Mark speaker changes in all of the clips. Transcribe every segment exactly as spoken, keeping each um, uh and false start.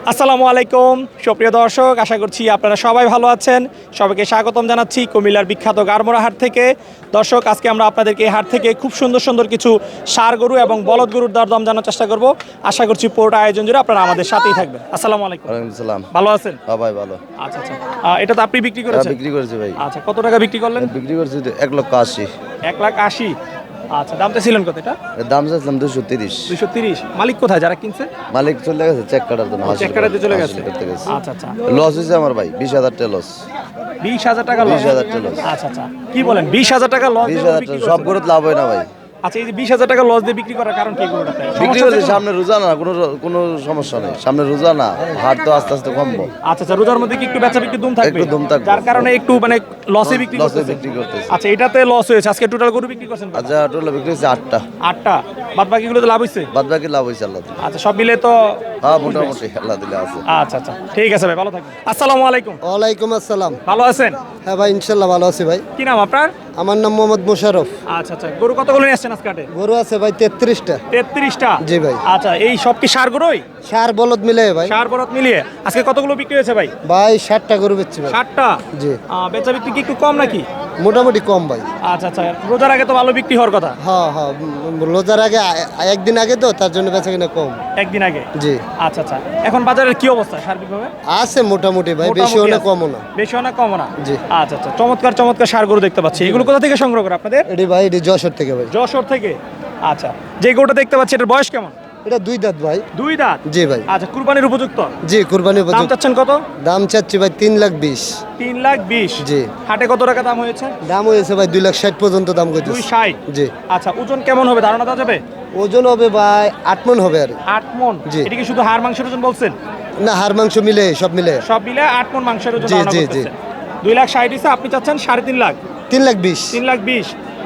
Speaker 1: আসসালামু আলাইকুম সুপ্রিয় দর্শক, আশা করছি আপনারা সবাই ভালো আছেন। সবাইকে স্বাগতম জানাচ্ছি কুমিল্লার বিখ্যাত গারমোড়া হাট থেকে। দর্শক, আজকে আমরা আপনাদেরকে এই হাট থেকে খুব সুন্দর সুন্দর কিছু ষাঁড় গরু এবং বলদ গরুর দরদাম জানার চেষ্টা করব। আশা করছি পুরোটা আয়োজন জুড়ে আপনারা আমাদের সাথেই থাকবেন। আসসালামু আলাইকুম।
Speaker 2: ওয়ালাইকুম আসসালাম।
Speaker 1: ভালো আছেন?
Speaker 2: হ্যাঁ ভাই ভালো।
Speaker 1: আচ্ছা আচ্ছা, আহ, এটা তো আপনি বিক্রি
Speaker 2: হ্যাঁ,
Speaker 1: করেছেন?
Speaker 2: বিক্রি করেছি ভাই।
Speaker 1: আচ্ছা, কত টাকা বিক্রি করলেন?
Speaker 2: বিক্রি করেছি তো এক লক্ষ আশি।
Speaker 1: এক লাখ আশি। আচ্ছা, দামটা ছিলেন কত? এটা
Speaker 2: এর দাম চাইছিলাম দুশো তিরিশ।
Speaker 1: দুইশো তিরিশ। মালিক কোথায় যারা কিনছে?
Speaker 2: মালিক চলে গেছে চেক কাটার জন্য।
Speaker 1: চেক কাটাতে চলে গেছে।
Speaker 2: হাসিল করতে গেছে।
Speaker 1: আচ্ছা আচ্ছা,
Speaker 2: লস হয়েছে আমার ভাই, বিশ হাজার টাকা লস।
Speaker 1: বিশ হাজার টাকা লস?
Speaker 2: বিশ হাজার টাকা লস।
Speaker 1: আচ্ছা আচ্ছা, কি বলেন, বিশ হাজার টাকা লস?
Speaker 2: বিশ হাজার টাকা সব গরুত লাভ হয় না ভাই।
Speaker 1: আচ্ছা, এই যে বিশ হাজার টাকা লস দিয়ে বিক্রি করার কারণ কি? গরুটাতে
Speaker 2: বিক্রি করছি সামনে রোজা না, কোনো কোনো সমস্যা নেই, সামনে রোজা না, হাট তো আস্তে আস্তে কমবো।
Speaker 1: আচ্ছা আচ্ছা, রোজার মধ্যে কি একটু বেচা বিক্রি দুম থাকবে?
Speaker 2: একটু দুম থাকবে।
Speaker 1: যার কারণে একটু মানে লসে বিক্রি
Speaker 2: লসে
Speaker 1: করতেছে।
Speaker 2: বিক্রি করতেছে।
Speaker 1: আচ্ছা, এটাতে লস হয়েছে। আজকে টোটাল গরু বিক্রি করছেন কত?
Speaker 2: আচ্ছা, টোটাল বিক্রি হয়েছে আটটা।
Speaker 1: আটটা। বাদ বাকিগুলো তো লাভ হইছে?
Speaker 2: বাদ বাকি লাভ হয়েছে আল্লাহ দিলে।
Speaker 1: আচ্ছা, সব মিলে তো
Speaker 2: হ্যাঁ মোটামুটি আল্লাহ দিলে আছে।
Speaker 1: আচ্ছা আচ্ছা, ঠিক আছে ভাই, ভালো থাকবেন। আসসালামু আলাইকুম।
Speaker 3: ওয়ালাইকুম আসসালাম।
Speaker 1: ভালো আছেন?
Speaker 3: হ্যাঁ ভাই, ইনশাল্লাহ ভালো আছি ভাই।
Speaker 1: কি নাম আপনার?
Speaker 3: আমার নাম মোহাম্মদ মোশাররফ।
Speaker 1: আচ্ছা আচ্ছা, গরু কতগুলো নিয়ে আসছেন আজকে হাটে?
Speaker 3: গরু আছে ভাই তেত্রিশটা।
Speaker 1: তেত্রিশটা?
Speaker 3: জি ভাই।
Speaker 1: আচ্ছা, এই সব কি ষাঁড় গরুই?
Speaker 3: সার বলদ মিলে ভাই।
Speaker 1: ষাঁড় বলদ মিলিয়ে আজকে কতগুলো বিক্রি হয়েছে ভাই?
Speaker 3: ভাই ষাটটা গরু বেচছি ভাই।
Speaker 1: ষাটটা?
Speaker 3: জি।
Speaker 1: আহ, বেচা বিক্রি কি একটু কম নাকি?
Speaker 3: মোটামুটি কম ভাই।
Speaker 1: আচ্ছা আচ্ছা, রোজার আগে তো ভালো বিক্রি হওয়ার কথা।
Speaker 3: হ্যাঁ হ্যাঁ, উম, রোজার আগে আ- একদিন আগে তো, তার জন্য বেচা কিনা কম।
Speaker 1: একদিন আগে?
Speaker 3: জি।
Speaker 1: আচ্ছা আচ্ছা, এখন বাজারের কি অবস্থা সার্বিকভাবে?
Speaker 3: আছে মোটামুটি ভাই, বেশি
Speaker 1: মোটামুটি
Speaker 3: হলে
Speaker 1: আছে।
Speaker 3: কমও না।
Speaker 1: বেশি না কমও না?
Speaker 3: জি।
Speaker 1: আচ্ছা আচ্ছা, চমৎকার চমৎকার ষাঁড় গরু দেখতে পাচ্ছি। এগুলো কোথা থেকে সংগ্রহ করে আপনাদের?
Speaker 3: এটি ভাই, এটি যশোর থেকে ভাই।
Speaker 1: যশোর থেকে? আচ্ছা, যে গরুটা দেখতে পাচ্ছি এটার বয়স কেমন?
Speaker 3: এটা দুই দাঁত ভাই।
Speaker 1: দুই দাঁত?
Speaker 3: জি ভাই।
Speaker 1: আচ্ছা, কুরবানির উপযুক্ত?
Speaker 3: জি, কুরবানি
Speaker 1: দাম
Speaker 3: উপযুক্ত।
Speaker 1: চাচ্ছেন কত?
Speaker 3: দাম চাচ্ছি ভাই তিন লাখ বিশ।
Speaker 1: তিন লাখ বিশ?
Speaker 3: জি।
Speaker 1: হাটে কত টাকা দাম হয়েছে?
Speaker 3: দাম হয়েছে ভাই দুই লাখ ষাট পর্যন্ত দাম
Speaker 1: দুই
Speaker 3: করতেছে।
Speaker 1: ষাট?
Speaker 3: জি।
Speaker 1: আচ্ছা, ওজন কেমন হবে ধারণা দেওয়া যাবে?
Speaker 3: ওজন হবে ভাই আট মন হবে আর।
Speaker 1: আট মন?
Speaker 3: জি।
Speaker 1: এটা কি শুধু হাড় মাংসের ওজন বলছেন?
Speaker 3: না, হাড় মাংস মিলে সব মিলে
Speaker 1: সব মিলে আট মন মাংসের ওজন
Speaker 3: জি,
Speaker 1: ধারণা
Speaker 3: জি,
Speaker 1: করতেছেন। দুই লাখ ষাট হিসেবে আপনি চাচ্ছেন সাড়ে তিন লাখ?
Speaker 3: তিন লাখ বিশ।
Speaker 1: তিন লাখ বিশ।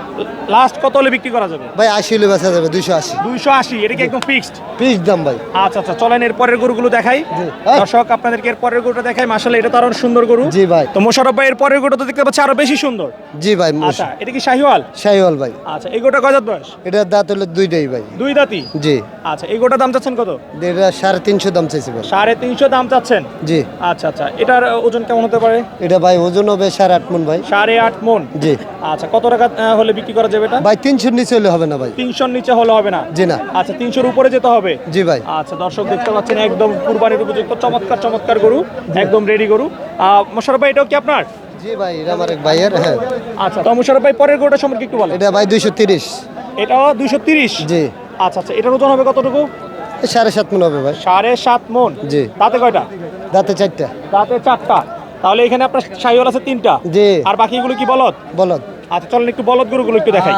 Speaker 1: লাস্ট কত হলে বিক্রি করা যাবে?
Speaker 3: ভাই আশি হলে বেচা যাবে, দুইশো আশি।
Speaker 1: দুইশো আশি? এটা কি একদম ফিক্সড?
Speaker 3: পিস দাম ভাই।
Speaker 1: আচ্ছা আচ্ছা, চলেন এর পরের গরুগুলো দেখাই।
Speaker 3: জি।
Speaker 1: দর্শক, আপনাদেরকে এর পরের গরুটা দেখাই। মাশাআল্লাহ, এটা তো আরো সুন্দর গরু।
Speaker 3: জি ভাই।
Speaker 1: তো মোশাররফ ভাই, এর পরের গরুটা তো দেখতে পাচ্ছি আরো বেশি সুন্দর।
Speaker 3: জি ভাই।
Speaker 1: আচ্ছা, এটা কি শাহিওয়াল?
Speaker 3: শাহিওয়াল ভাই।
Speaker 1: আচ্ছা, এই গরুটা কয় দাঁত বয়স?
Speaker 3: এটার দাঁত হলো দুইটাই ভাই।
Speaker 1: দুই দাঁতই?
Speaker 3: জি।
Speaker 1: আচ্ছা, এই গরুটার দাম চাচ্ছেন কত?
Speaker 3: এটা সাড়ে তিনশো দাম চাইছি ভাই।
Speaker 1: সাড়ে তিনশো দাম চাচ্ছেন?
Speaker 3: জি।
Speaker 1: আচ্ছা আচ্ছা, এটার ওজন কেমন হতে পারে?
Speaker 3: এটা ভাই ওজন হবে সাড়ে আট মন ভাই।
Speaker 1: সাড়ে আট মন?
Speaker 3: জি।
Speaker 1: আচ্ছা, কত টাকা আহ, হলে বিক্রি করা যাবে এটা?
Speaker 3: ভাই তিনশোর নিচে হলে হবে না ভাই।
Speaker 1: তিনশোর নিচে হলে হবে না?
Speaker 3: জি না।
Speaker 1: আচ্ছা, তিনশোর উপরে যেতে হবে?
Speaker 3: জি ভাই।
Speaker 1: আচ্ছা, দর্শক দেখতে পাচ্ছেন একদম কুরবানির উপযুক্ত চমৎকার চমৎকার গরু, একদম রেডি গরু। আহ, মোশাররফ ভাই, এটাও কি আপনার?
Speaker 3: জি ভাই, এটা আমার এক ভাইয়ের। হ্যাঁ।
Speaker 1: আচ্ছা, তো মোশাররফ ভাই, পরের গরুটা সম্পর্কে একটু বলেন।
Speaker 3: এটা ভাই দুইশো তিরিশ।
Speaker 1: এটাও দুইশো তিরিশ?
Speaker 3: জি।
Speaker 1: আচ্ছা আচ্ছা, এটার ওজন হবে কতটুকু?
Speaker 3: এ সাড়ে সাত মন হবে ভাই।
Speaker 1: সাড়ে সাত মন?
Speaker 3: জি।
Speaker 1: দাঁতে কয়টা?
Speaker 3: দাঁতে চারটা।
Speaker 1: দাঁতে চারটা? তাহলে এখানে আপনার শাহিওয়াল আছে তিনটা?
Speaker 3: জি।
Speaker 1: আর বাকিগুলো কি বলদ?
Speaker 3: বলদ।
Speaker 1: আচ্ছা, চলেন একটু বলদ গরুগুলো একটু দেখাই।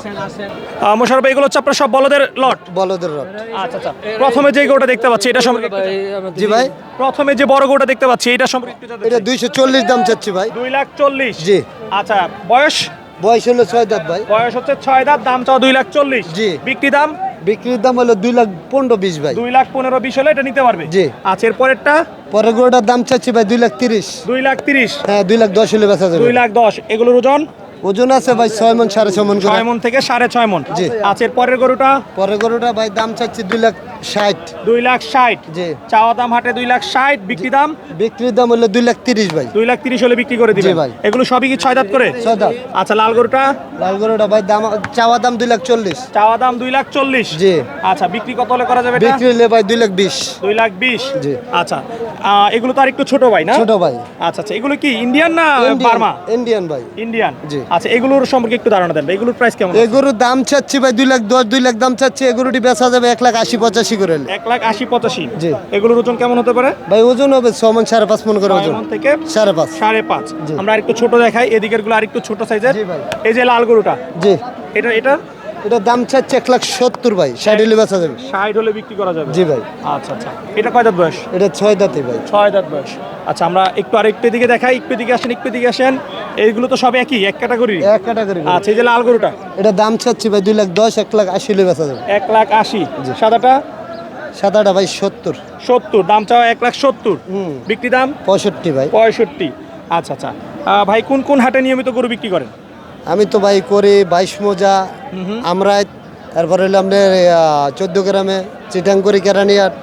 Speaker 1: আহ, মোশাররফ ভাই, এগুলো হচ্ছে আপনার সব বলদের লট?
Speaker 3: বলদের রড।
Speaker 1: আচ্ছা আচ্ছা, প্রথমে যে গরুটা দেখতে পাচ্ছি এটা সম্পর্কে একটু জানান।
Speaker 3: জি ভাই।
Speaker 1: প্রথমে যে বড় গরুটা দেখতে পাচ্ছি এটা সম্পর্কে একটু জানতে
Speaker 3: এটা
Speaker 1: চাই।
Speaker 3: দুইশো চল্লিশ দাম চাচ্ছি ভাই।
Speaker 1: দুই লাখ চল্লিশ?
Speaker 3: জি।
Speaker 1: আচ্ছা, বয়স?
Speaker 3: বয়স হলো ছয় দাঁত ভাই।
Speaker 1: বয়স হচ্ছে ছয় দাঁত, দাম চাও দুই লাখ চল্লিশ?
Speaker 3: জি।
Speaker 1: বিক্রি দাম?
Speaker 3: বিক্রির দাম হলো দুই লাখ পনেরো বিশ ভাই।
Speaker 1: দুই লাখ পনেরো বিশ হলে এটা নিতে পারবে?
Speaker 3: জি।
Speaker 1: আচ্ছা, এর পরেরটা?
Speaker 3: পরের গরুটার দাম চাচ্ছি ভাই দুই লাখ তিরিশ।
Speaker 1: দুই লাখ তিরিশ?
Speaker 3: হ্যাঁ, দুই লাখ দশ হলে বেচা যাবে।
Speaker 1: দুই লাখ দশ। এগুলোর ওজন?
Speaker 3: ওজন আছে ভাই ছয় মন সাড়ে ছয় মন করে।
Speaker 1: ছয় মন থেকে সাড়ে ছয় মন?
Speaker 3: জি।
Speaker 1: আচ্ছা, এর পরের গরুটা?
Speaker 3: পরের গরুটা ভাই দাম চাচ্ছি দুই লাখ ষাট।
Speaker 1: দুই লাখ ষাট?
Speaker 3: জি।
Speaker 1: চাওয়া দাম হাটে দুই লাখ ষাট, বিক্রি দাম?
Speaker 3: বিক্রির দাম হলো দুই লাখ তিরিশ ভাই।
Speaker 1: দুই লাখ তিরিশ হলে বিক্রি করে দিবেন?
Speaker 3: জি ভাই।
Speaker 1: এগুলো সবই কি ছয় দাঁত করে?
Speaker 3: ছয় দাঁত।
Speaker 1: আচ্ছা, লাল গরুটা?
Speaker 3: লাল গরুটা ভাই দাম চাওয়া দাম দুই লাখ চল্লিশ।
Speaker 1: চাওয়া দাম দুই লাখ চল্লিশ?
Speaker 3: জি।
Speaker 1: আচ্ছা, বিক্রি কত হলে করা যাবে এটা?
Speaker 3: বিক্রি হলে ভাই দুই লাখ বিশ।
Speaker 1: দুই লাখ বিশ?
Speaker 3: জি।
Speaker 1: আচ্ছা, আহ, এগুলো তো আর একটু ছোট ভাই না?
Speaker 3: ছোট ভাই।
Speaker 1: আচ্ছা আচ্ছা, এগুলো কি ইন্ডিয়ান না বার্মা?
Speaker 3: ইন্ডিয়ান ভাই।
Speaker 1: ইন্ডিয়ান?
Speaker 3: জি।
Speaker 1: আচ্ছা, এগুলোর সম্পর্কে একটু ধারণা দেন। এগুলোর প্রাইস কেমন?
Speaker 3: এই গরুর দাম চাচ্ছি ভাই দুই লাখ দশ, দুই লাখ দাম চাচ্ছি। এই গরুটি বেচা যাবে এক লাখ আশি পঁচাশি করে হলে।
Speaker 1: এক লাখ আশি পঁচাশি?
Speaker 3: জি।
Speaker 1: এগুলোর ওজন কেমন হতে পারে?
Speaker 3: ভাই ওজন হবে ছ মন সাড়ে পাঁচ মন করে
Speaker 1: ছয়
Speaker 3: ওজন।
Speaker 1: মণ থেকে
Speaker 3: সাড়ে পাঁচ।
Speaker 1: সাড়ে পাঁচ?
Speaker 3: জি।
Speaker 1: আমরা আরেকটু ছোট দেখাই, এদিকের গুলো আরেকটু ছোট সাইজের।
Speaker 3: জি ভাই।
Speaker 1: এই যে লাল গরুটা,
Speaker 3: জি।
Speaker 1: এটা এটা
Speaker 3: এটা দাম চাচ্ছে এক লাখ সত্তর ভাই, ষাট হলে বেচা যাবে।
Speaker 1: ষাট হলে বিক্রি করা যাবে?
Speaker 3: জি ভাই।
Speaker 1: আচ্ছা আচ্ছা, এটা কয় দাঁত বয়স?
Speaker 3: এটা ছয় দাঁতে ভাই।
Speaker 1: ছয় দাঁত বয়স। আচ্ছা, আমরা একটু আরেকটু দিকে দেখাই। একটু দিকে আসেন, একটু দিকে আসেন। এইগুলো তো সব একই, এক ক্যাটাগরি?
Speaker 3: এক ক্যাটাগরি।
Speaker 1: আচ্ছা, এই যে লাল গরুটা,
Speaker 3: এটা দাম চাচ্ছি ভাই দুই লাখ দশ, এক লাখ আশি হলে বেচা যাবে।
Speaker 1: এক লাখ আশি? সাদাটা?
Speaker 3: সাদাটা ভাই সত্তর।
Speaker 1: সত্তর? দাম চাও এক লাখ সত্তর,
Speaker 3: হুম।
Speaker 1: বিক্রি দাম?
Speaker 3: পঁয়ষট্টি ভাই।
Speaker 1: পঁয়ষট্টি? আচ্ছা আচ্ছা, আহ, ভাই কোন কোন হাটে নিয়মিত গরু বিক্রি করেন?
Speaker 3: আমি তো ভাই করি বাইশ মোজা, আমরা তারপরে হলো আপনার চোদ্দ গ্রামে চিটাং করি কেরানিয়ার,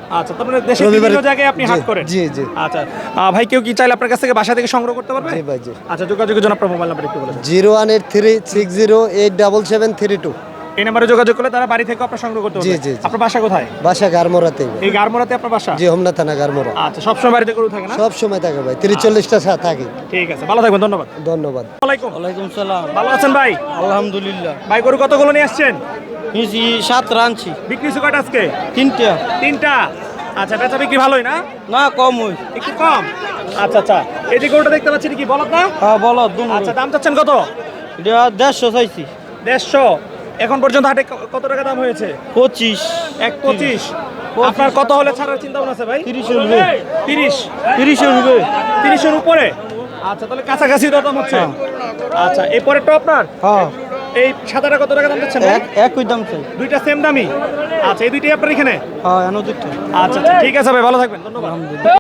Speaker 1: আচ্ছা, তার মানে দেশের
Speaker 3: রবিবারে-
Speaker 1: বিভিন্ন জায়গায় আপনি
Speaker 3: জি,
Speaker 1: হাট করেন?
Speaker 3: জি, জি।
Speaker 1: আচ্ছা, আহ, ভাই কেউ কি চাইলে আপনার কাছ থেকে বাসা থেকে সংগ্রহ করতে পারবে?
Speaker 3: জি ভাই, জি।
Speaker 1: আচ্ছা, যোগাযোগের জন্য আপনার মোবাইল নাম্বার একটু বলে দেন।
Speaker 3: Zero one eight three six zero eight double seven three two.
Speaker 1: এই নাম্বারে যোগাযোগ করলে তারা বাড়ি থেকে আপনার সংগ্রহ করতে
Speaker 3: জি,
Speaker 1: পারবে।
Speaker 3: জি, জি।
Speaker 1: আপনার বাসা কোথায়?
Speaker 3: বাসা গারমোরাতে।
Speaker 1: এই গারমোরাতে আপনার বাসা?
Speaker 3: জি, হোমনা থানা গারমোরা।
Speaker 1: আচ্ছা, সবসময় বাড়িতে গরু থাকে না?
Speaker 3: সব সময় থাকে ভাই, তিরিশ চল্লিশটা সা- থাকে।
Speaker 1: ঠিক আছে, ভালো থাকবেন, ধন্যবাদ।
Speaker 3: ধন্যবাদ।
Speaker 1: ওয়ালাইকুম।
Speaker 4: ওয়ালাইকুম সালাম।
Speaker 1: ভালো আছেন ভাই?
Speaker 4: আলহামদুলিল্লাহ।
Speaker 1: ভাই গরু কতগুলো নিয়ে আসছেন?
Speaker 4: নিয়েছি সাত রানছি
Speaker 1: বিক্রি হয়েছে কয়টা আজকে?
Speaker 4: তিনটা।
Speaker 1: তিনটা। আচ্ছা, বেচা বিক্রি ভালোই না?
Speaker 4: না কম ওই।
Speaker 1: একটু কম। আচ্ছা আচ্ছা, এই যে গরুটা দেখতে পাচ্ছি কি বলত না?
Speaker 4: হ্যাঁ বলো দুনো।
Speaker 1: আচ্ছা, দাম চাচ্ছেন কত?
Speaker 4: এটা দেড়শো চাইছি।
Speaker 1: দেড়শো। এখন পর্যন্ত হাটে ক- কত টাকা দাম হয়েছে?
Speaker 4: পঁচিশ।
Speaker 1: এক পঁচিশ। আপনার কত হলে ছাড়ার চিন্তা ভাবনা আছে ভাই?
Speaker 4: তিরিশের উপরে।
Speaker 1: তিরিশ।
Speaker 4: তিরিশের উপরে।
Speaker 1: তিরিশের উপরে। আচ্ছা, তাহলে কাছাকাছি দাম হচ্ছে। আচ্ছা, এই পরেরটা আপনার?
Speaker 4: হ্যাঁ
Speaker 1: এই সাদাটা কত টাকা দাম দিচ্ছেন?
Speaker 4: এক একই দাম চাই।
Speaker 1: দুইটা সেম দামি। আচ্ছা, এই দুইটাই আপনার এখানে?
Speaker 4: হ্যাঁ এনো দুটো।
Speaker 1: আচ্ছা আচ্ছা, ঠিক আছে ভাই, ভালো থাকবেন, ধন্যবাদ।